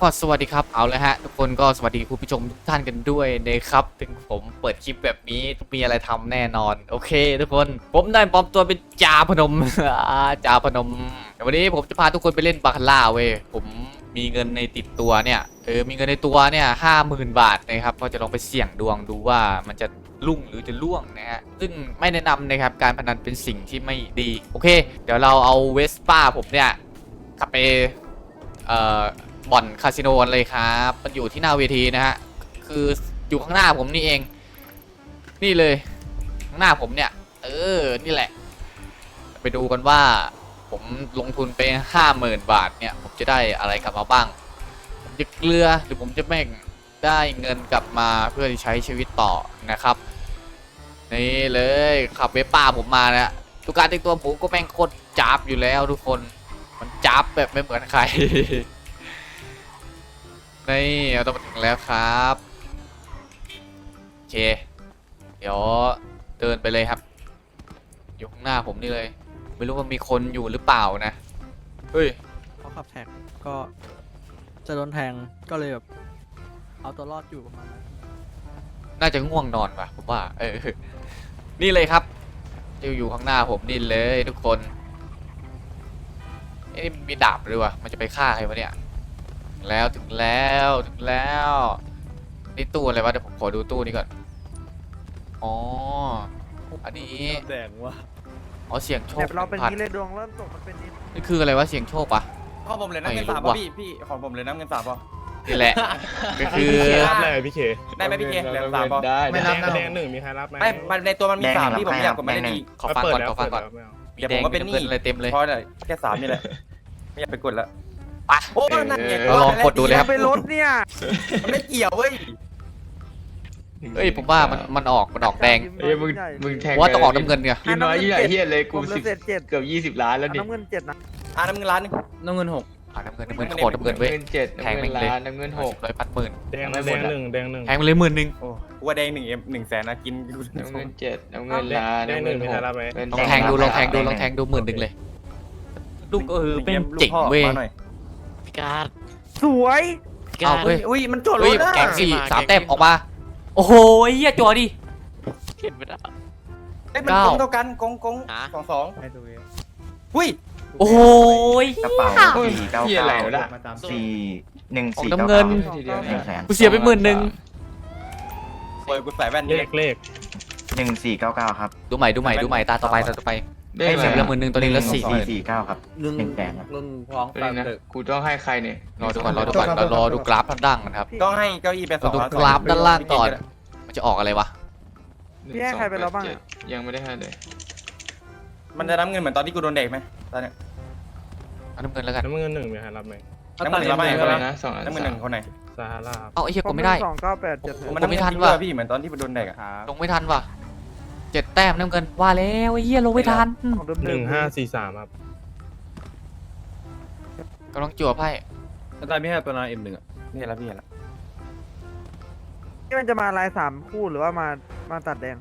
ก็สวัสดีครับเอาเลยฮะทุกคนก็สวัสดีคุณผู้ชมทุกท่านกันด้วยนะครับถึงผมเปิดคลิปแบบนี้ต้องมีอะไรทำแน่นอนโอเคทุกคนผมได้ปลอมตัวเป็นจาพนม จาพนมแต่วันนี้ผมจะพาทุกคนไปเล่นบาคาร่าเว้ยผมมีเงินในติดตัวเนี่ยมีเงินในตัวเนี่ย50,000 บาทนะครับก็จะลองไปเสี่ยงดวงดูว่ามันจะลุ่งหรือจะล่วงนะฮะซึ่งไม่แนะนำนะครับการพนันเป็นสิ่งที่ไม่ดีโอเคเดี๋ยวเราเอาเวสป้าผมเนี่ยขับไปบ่อนคาสิโนเลยครับมันอยู่ที่หน้าเวทีนะฮะคืออยู่ข้างหน้าผมนี่เองนี่เลยข้างหน้าผมเนี่ยนี่แหละไปดูกันว่าผมลงทุนไป50,000 บาทเนี่ยผมจะได้อะไรกลับมาบ้างผมจะเกลือหรือผมจะแม่งได้เงินกลับมาเพื่อใช้ชีวิตต่อนะครับนี่เลยขับเวป้าผมมานะทุกการแต่งตัวผมก็แม่งโคตรจับอยู่แล้วทุกคนมันจับแบบไม่เหมือนใคร นี่เราต้องมาถึงแล้วครับโอเคเดี๋ยวเดินไปเลยครับอยู่ข้างหน้าผมนี่เลยไม่รู้ว่ามีคนอยู่หรือเปล่านะเฮ้ยเขาขับแท็กก็จะโดนแทงก็เลยแบบเอาตัวรอดอยู่ประมาณนั้นน่าจะง่วงนอนป่ะผมว่านี่เลยครับอยู่ข้างหน้าผมนี่เลยทุกคนนี่มีดาบด้วยวะมันจะไปฆ่าใครวะเนี่ยถึงแล้วนี่ตู้อะไรวะเดี๋ยวผมขอดูตู้นี้ก่อนอ๋ออันนี้แดงว่ะอ๋อเสียงโชคเนี่ยเราเป็นพันนี้เลยดวงเริ่มตกมันเป็นนี้นี่คืออะไรวะเสียงโชคปะของผมเลยน้ำเงินไม่รู้สามว่ะป่ะพี่ของผมเลยน้ำเงินสามป่ะนี่แหละ ก็คือรับเลยพี่เคได้ไหมพี่เคเหลือสามป่ะได้ไม่รับนะแดงหนึ่งมีใครรับไหมไม่มันในตัวมันมีสามที่ผมอยากกดมาได้ดีขอฟังก่อนขอฟังก่อนไม่เอามีเดี๋ยวแดผมงก็มีเป็นน้ำหนี้เงินอะไรเต็มเลยเพราะอะไรแค่สามนี่แหละไม่อยากไปกดแล้วไปโอ้นั่นไงเราลองกดดูเลยครับไปรถเนี่ยมันไม่เกี่ยวเว้ยเอ้ยผมว่ามันออกแดงเอ้ยมึงแทงว่าต้องออกน้ำเงินเนี่ยกินน้อยยี่ไหนเฮียเลยกูผมเหลืสิอบ เศษ7 เกือบ20 ล้านแล้วดิน้ำเงิน7นะน้ำเงินล้านนึงน้ำเงิน6 น้ำเงินโคตรน้ำเงินเว้ยเงินเจ็ดแทงน้ำแม่เงิงนเลยล้านน้ำเงินหก 100,000 แดงหนึ่งแดงหนึ่งแทงไปเลย10,000 โอ้กูว่าแดง100,000นะกินน้ำเงินเจ็ดน้ำเงินล้านน้ำเงินหกลองแทงดู10,000เลยลูกเป็นเจ๋งเว้ยพิการสวยเอาเว้ยอุ้ยมันจดรเฮ้ยถนะแกง3 แต้มออกมาโอ้โหเหี้ยจัวดิเห็นไม่ได้เอ้ยมันกงเท่ากันกงสองให้ดูอุ้ยโอ้โหกระเป๋าเฮ้ยสี่เก้าเฮียอะไรเก้าวะน่ะสี่หนึ่งออกสี่น้ำเก้าเงินทีเดียว 100,000 กูเสียไป10,000 เปิดกูใส่แว่นเลนี่ขเลข 1499ครับดูใหม่ตาต่อไปได้ให้ไหมเสียไปละ10,000ตัวนี้ละ 449ครับหนึ่งแสนครับเป็นนะกูต้องให้ใครเนี่ยรอดูก่อนเรารอดูกราฟด้านล่างกันครับต้องให้เก้าอี้เป็นสเราองดูกราฟด้านล่างก่อนมันจะออกอะไรวะพี่ให้ใครไปแล้วบ้างอะยังไม่ได้ให้เลยมันจะน้ำเงินเหมือนตอนที่กูโดนเด็กไหมตอนเนี้ยเอาน้ำเงินแล้วกันน้ำเงินหนึ่งมีใครรับไหมน้ำเงินรับไหมเท่าไหร่นะ2 อันน้ำเงินหนึ่งคนไหนซาฮาราเอาไอ้เหี้ยกดไม่ได้ 298 มันน้ำเงินไม่ทันจริงว่ะด้วยพี่เหมือนตอนที่กูโดนเด็กอะลงไม่ทันว่ะ7 แต้มน้ำเงินว่าแล้วไอ้เหี้ยลงไม่ทันของเดิม 1543ครับกำลังจั่วไพ่ตายไม่ให้ตัวนาM1อ่ะนี่แล้วพี่เห็นแล้วนี่มันจะมาลาย3คู่หรือว่ามาตัดแดง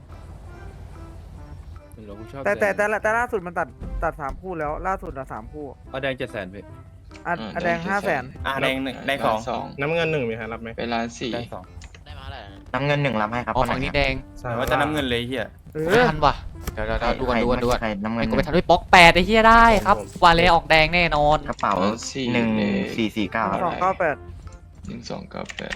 เรากูชอบแต่ล่าสุดมันตัด3คู่แล้วล่าสุดอะ3คู่เอาแดง700,000พี่อ่ะแดง500,000 แดงหนึ่งแดงสองน้ำเงินหนึ่งมีใครรับไหมเป็นล้านสี่แดงสองได้มาแล้วน้ำเงิน1รับให้ครับอ๋อฝั่งนี้แดงว่าจะน้ำเงินเลยเฮียไม่ทันว่ะเดี๋ยวดูกันใครน้ำเงิไอ้นกูไปทันด้วยป๊อก8ไอ้เหี้ยได้ครับว่าแล้วออกแดงแน่นอนกระเป๋า1449ครับ 298 1298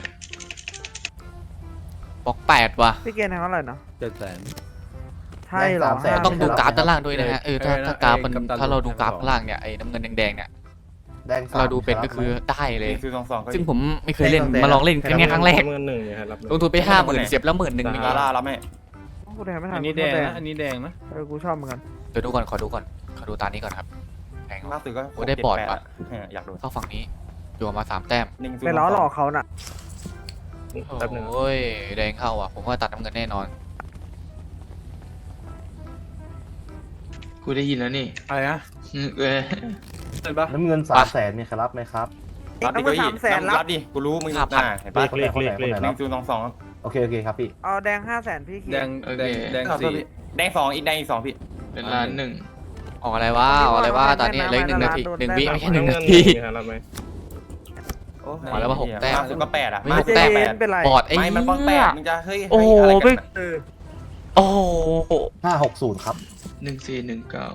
ป๊อก8ว่ะพี่เกณฑ์ทางเท่าไหร่นะ 700,000 ใช่เหรอต้องดูกราฟด้านล่างด้วยนะฮะถ้ากราฟมันกัปตันถ้าเราดูกราฟข้างล่างเนี่ยไอ้น้ำเงินแดงๆเนี่ยเราดูเป็นก็คือได้เลยนี่คือสองก็ซึ่งผมไม่เคยเล่นมาลองเล่นแค่ครั้งแรกน้ำเงินหนึ่งมีใครรับไหมลงทุนไป50,000เสียบแล้ว10,000มีลาล่ารับไหมกูแทงไม่ทันอันนี้แดงนะอันนี้แดงนะกูชอบเหมือนกันเดี๋ยวดูก่อนขอดูตานี้ก่อนครับแพงล่าสุดก็โอ้ได้บอร์ดว่ะอยากโดนเข้าฝั่งนี้จั่วมา3 แต้มไปล้อหลอกเขาน่ะแป๊บหนึงโอ้ยแดงเข้าอ่ะผมว่าตัดน้ำเงินแน่นอนกูได้ยินแล้วนี่อะไรนะเออเห็นปะน้ำเงิน300,000มีใครรับไหมครับรับดิน้ำเงิน300,000รับรับดิกูรู้มึงเห็นปะเลขหนึ่งศูนย์สองโอเคครับพี่เอาแดง500,000พี่เขีแดยนงโอเคแดงสี่แดงสองอีกแดงอีกสองพี่เป็นล้านหนึ่งออกอะไรวะตอนนี้เหลืออีก1 นาที1 วิไม่ใช่1 นาน้ำเงินหทีนึ่งมีใครรับไหมโอ้ขอแล้วว่า6แต้มล่าสุดก็8อ่ะไม่มา 6แต้มแปดเป็นไรบอดไอ้ไม่มันป้องเหี้ย 8มึงจะเฮ้ยโอ้โหเฮ้ยอะไรไม่กันอะเออโอ้โห 560 ครับ 1419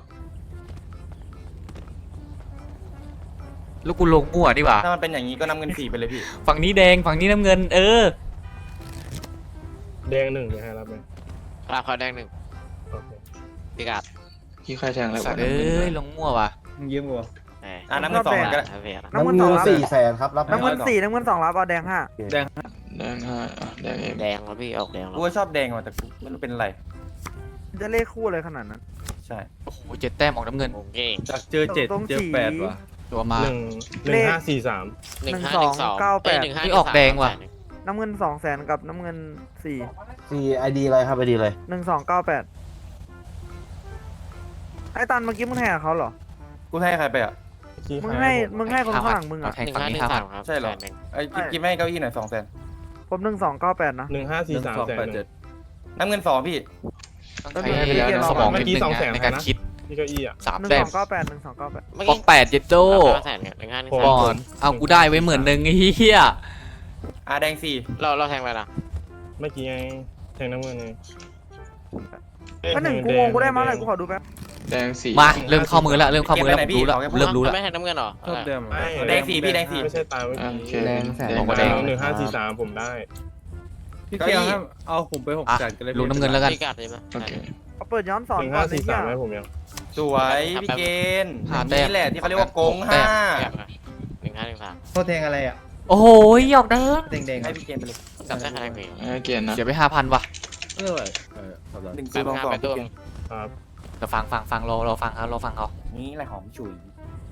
แล้วกูลงมั่วดีกว่าถ้ามันเป็นอย่างนี้ก็น้ำเงิน4ไปเลยพี่ฝั่งนี้แดงฝั่งนี้น้ำเงิน เออแดงหนึ่งนะฮะรับไหมรับเขาแดงหนึ่งโอเคพิกัดพี่ใครแทงอะไรสัตว์เอ้ยลงมั่วว่ะมึงยืมกูอ่ะน้ำเงิน2ก็ได้ครับพี่ครับน้ำเงินน้ำสองเงินรับ 400,000ครับรับไหมน้ำเงิน4น้ำเงิน2รับเอาแดง5 แดง5อ่ะแดงเองแดงแล้วพี่ออกแดงแล้วกูก็ชอบแดงว่ะแต่กูไม่รู้เป็นไรจะเลขคู่เลยขนาดนั้นใช่โอ้โห7 แต้มออกน้ำเงินผมเก่งจากเจอ7 ตรงเจอสี 8ว่ะตัวมา 1543 1-2-9-8 นี่ออกแดงว่ะน้ำเงิน200,000กับน้ำเงิน4 ID อะไรครับ ID อะไร 1298ไอ้ตันเมื่อกี้มึงแห่เขาเหรอกูให้ใครไปอ่ะมึงให้คนข้างหลังมึงเอาอ่ะแทงฝั่งนี้5,000 ครับใช่เหรอแสนนึ่งไอ้กิ๊บให้เก้าอี้หน่อย200,000 ผม1298นะ 1543แสนหนึ่งน้ำเงิน2พี่ต้องใช้สมองนิดนึงนะในการคิดที่เก้าอี้อ่ะ 3 แต้ม 1298 1298 เมื่อปอกี้ก8เจ็ดโจ้ 5แสนเนี่ย15 ผมก่อนเอากูได้ไว้10,000ไอ้เหี้ยแดงเราแทงไปนะเมื่อกี้ไงแทงน้ำเงินไงก็หนึ่งกูงงกูได้มาเลยกูขอดูแป๊บแดง4 มาเริ่มเข้ามือแล้วเริ่มเข้ามือแล้วผมรู้แล้วเริ่มรู้แล้วไม่แทงน้ำเงินเหรอชอบเดิม 4แดง4พี่แดง4 ไม่ใช่ตายเมื่อโอกี้เคแดงแสนแดงบอกว่าแดง 1543ผมได้พี่เกียวครับเอาผมไป6 อ่ะแสนกันเลยลงน้ำเงินแล้วกันพิกัดเลยปะโอเคเอาเปิดย้อนสอนก่อนไอ้เหี้ย 1543ให้ผมยังสวยพี่เกณฑ์หาแต้มนี่แหละที่เขาเรียกว่าโกงแต้มพิกัดนะ1513 โทษแทงอะไรอ่ะโอ้โหหยอกแดงแดง 5ให้พี่เกณฑ์ไปเลยจับได้คะแนนพี่ให้เกียรตินะเสียไป5,000ว่ะ 1 แปด 2 ห้าแปด 2 ตัวพี่เกณฑ์ครับเราฟังเราฟังเขานี่อะไรหอมฉุย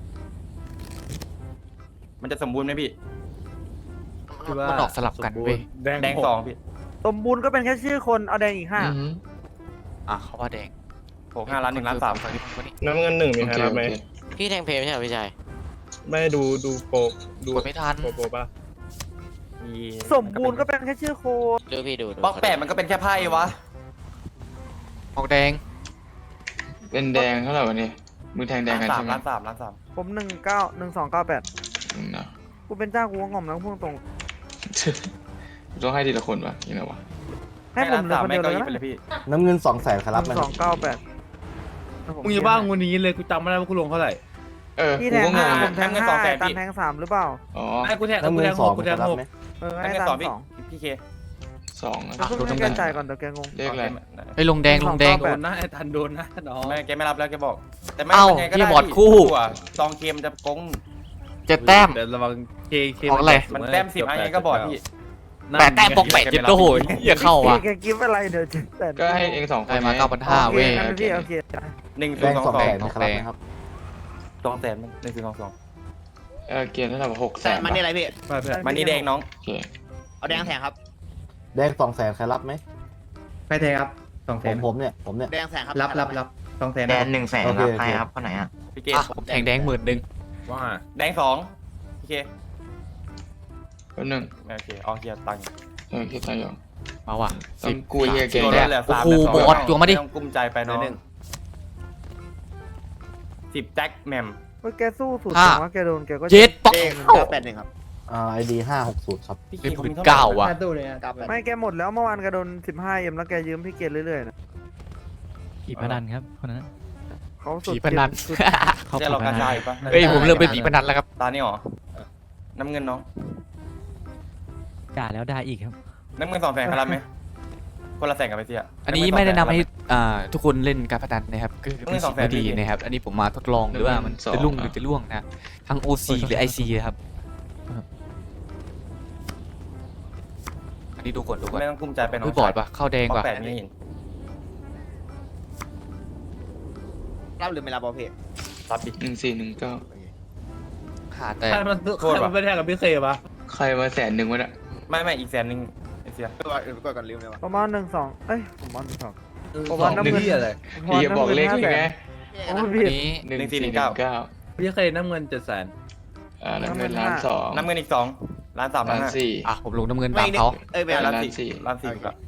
มันจะสมบูรณ์ไหมพี่มันออกสลับกันเว้ยแดง2พี่สมบูรณ์ก็เป็นแค่ชื่อคนเอาแดงอีกอือหืออ่ะเขาว่าแดงผม5ล้าน1ล้าน3 ฝั่งนี้ฝั่งนี้น้ำเงินหนึ่งมีโอใครเครับโอไหมเคพี่แทงเพลย์ไม่ใช่เหรอพี่ชายไม่ดูโปรดูกดไม่ทันโปรป่ะมี 5สมบูรณ์ก็เป็นแค่ชื่อโคนดูพี่ดูบล็อก8มันก็เป็นแค่ไพ่วะออกแดงเป็นแดงเท่าไหร่วะเนี่ยมือแทงแดงกันใช่ไหมล้าน3 ผม1298 นะกูเป็นเจ้ากูก็งอมแล้วพูดตรงต้องให้ทีละคนวะยังไงวะให้ผมเหลือคนเดียวเลยไปนะเลยพี่น้ำเงิน200,000ครับรับไหมครับ 1298 มึงอย่าบ้างวันนี้เลยกูจำไม่ได้ว่ากูลงเท่าไหร่เออพี่กูแทงก็งง 5ผอ่ะมแทง5ตันแทง3หรือเปล่าอ๋อไอ้กูแทงน้ำเงิน 6 2ครับรับไหมให้น้ำเงินตั 2 นพี่ 2 พี่เค 2 แล้วเพิ่งให้แกจ่ายก่อนเดี๋ยวแกงงเลขอะไรไปลงแดง 12 ลงแดงแปดนะไอ้ทันโดนนะน้องไม่แกไม่รับแล้วแกบอก แต่ไม่เอ้ายังไงก็พี่ได้บอดคู่ซองเกมจะโกง 7 แต้มเดี๋ยวระวังเคออกอะไรมันแต้ม10อันนี้ก็บอดพี่ 8 แต้มบอก8เจ็ดโอ้โหเหี้ยเข้าว่ะแกกิฟต์อะไรเดี๋ยวจะแต่ก็ให้เอง2คนได้มาไง 9,500เว้ยโอเคโอเค 1 แดง 2 2 200,000 2 นะครับรับไหมครับ 2แสน1 2 2 เกียรติเท่าไหร่6แสนมันนี่อะไรพี่มันนี่แดงน้องโอเคเอาแดงแทงครับแดง200,000ใครรับไหมไปแทงครับ200,000 ผมเนี่ยแดงแทงครับรับ200,000แดน100,000 โอเครับโอเคใครครับคนไหนอ่ะพี่เกอ่ะผมแทงแดง10,000 ว่าแดง2พี่เคแป๊บนึงโอเคเอาเฮียตังค์คิดอะไรอยู่มาว่ะต้องกูเฮียเก่งแต้มโอ้โหบอสจัวมาดิไต้องกุ้มใจไปน้อง10แจ็คแมมแกสู้สุดห้าว่าแกโดนแกก็เจ็ดปอก 981ครับ ID 560ครับพี่เคเป็นเขาพื้มีนเท่าไหร่เก้าว่ะไม่แกหมดแล้วเมื่อวานแกโดน 15M แล้วแกยืมพี่เกดเรื่อยๆนะผีพนันครับคนนั้นเขาสุดผีพนันสุดใช่เรากระจายปะเฮ้ยผมเริ่มเป็นผีพนันแล้วครับตานี่หรอน้ำเงินน้องด่าแล้วด่าอีกครับน้ำเงิน2แสนครับรับไหมคนละแสนกับไปเสียอันนี้ไม่แนะนำให้ทุกคนเล่นการพนันนะครับคือเป็นสิ่งไม่ดีนะครับ อันนี้ผมมาทดลองหรือว่ามันจะรุ่งหรือจะร่วงนะทั้ง OC หรือ IC นะครับอันนี้ดูก่อนดูก่อนไม่ต้องกุ้มใจไปน้องเฮ้ยบอดว่ะเข้าแดงบอว่ะก8ไม่เห็นรับหรือไม่รับบอลเพย์รับดิ 1419 หาแต่ใครมันไม่แทงกับพี่เคปะใครมา100,000วะเนี่ยไม่อีกแสนหนึ่งไอ้เสียกดก่อนลืมเลยว่ะประมาณ1-2เอ้ยผมว่า1-2 ผมว่าน้ำเงินอะไรพี่จะบอกเลขเลยไงโอ้อันพี่นี้ 1419 พี่เคน้ำเงิน700,000 น้ำเงิน1,200,000 น้ำเงินอีก2ล้าน3ล้าน 1,400,000 อ่ะผมลงน้ำเงินตามเขาเอ้ยไม่เอาล้านล้าน 4 สี่ล้าน4ครับ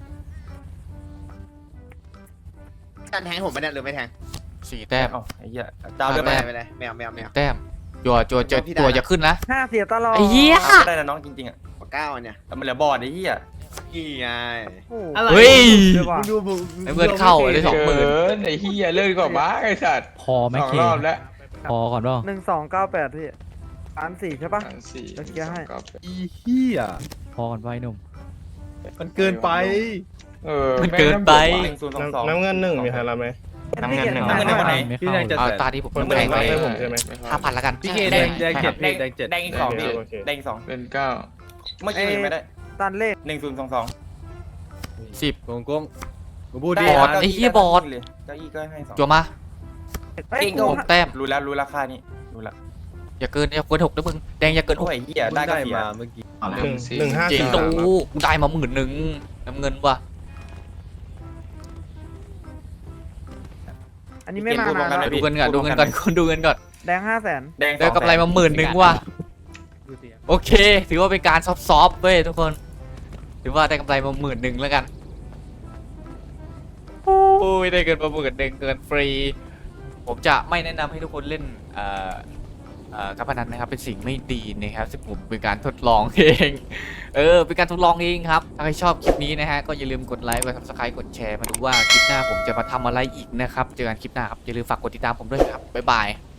การแทงผมไม่ได้หรือไม่แทง 4 แต้มเอ้าไอ้เหี้ยเจ้าเลือกแต้ไปมไม่ได้ไม่เอาแต้มจั่วอย่าขึ้นนะห้าเสียตลอดไอ้เหี้ยก็ได้นะน้องจริงๆอ่ะปากก้าวอันเนี่ยแต่มันเหลือบอร์ดไอ้เหี้ยนี่ไงโอ้โหอะไรเฮ้ยเดี๋ยวว่ะมึงดูมึงไอ้เงินเข้าเลย 20,000 เกินไอ้เหี้ยเลิกก่อนบ้าไอ้สัตว์พอไหมสองเครอบแล้วพอก่อนเปล่า 1298พี่1,400ใช่ปะสี่เดี๋ยวเคลียร์ให้อีเหี้ยพอก่อนไว้หนุ่มมันเกินไปมันเกินไป 1022 น้ำเงินหนึ่งมีใครรับไหมน้ำเงินหนึ่งน้ำเงินหนึ่งคนไหนไม่พี่เข้าแดงจะเอาแสนตาที่ผมคนแทงไปให้ผมใช่ไหม 5,000ละกันพี่เคแดงแดงเจ็ดพี่แดงเจ็ดแดงอีกสองพี่โอเคแดงอีกสองเป็นเก้าเมื่อกี้เห็นไม่ได้ตันเลข 1022 10 โกงกูพูดดีบอร์ดนะไอ้เหี้ยบอร์ดเลยเก้าอี้ก็ให้2 จั่วมาเอ้ยเก่งกูผมแต้มรู้แล้วรู้ราคานี่รู้แล้วอย่าเกิน6นะมึงแดงอย่าเกินโอ้ยเหี้ยได้ได้ก็เสียมาเมื่อกี้หนึ่งสี่หนึ่งห้าจริงสี่โอ้สามโหกูได้มา10,000น้ำเงินว่ะอันนี้ไม่มาเกมพูดพร้อมกันนะเลยดูเงินก่อนดูเงินก่อนแดง500,000 แดงได้กำไรมา10,000ว่ะโอเค ถือว่าเป็นการซอฟๆเว้ยทุกคน ถือว่าได้กำไรมา10,000แล้วกันโอ้ยได้เกินมา10,000เกินฟรี ผมจะไม่แนะนำให้ทุกคนเล่นการพนันนะครับเป็นสิ่งไม่ดีนะครับซึ่งผมเป็นการทดลองเองเป็นการทดลองเองครับถ้าใครชอบคลิปนี้นะฮะก็อย่าลืมกดไลค์กด subscribe กดแชร์มาดูว่าคลิปหน้าผมจะมาทำอะไรอีกนะครับเจอกันคลิปหน้าครับอย่าลืมฝากกดติดตามผมด้วยครับบ๊ายบาย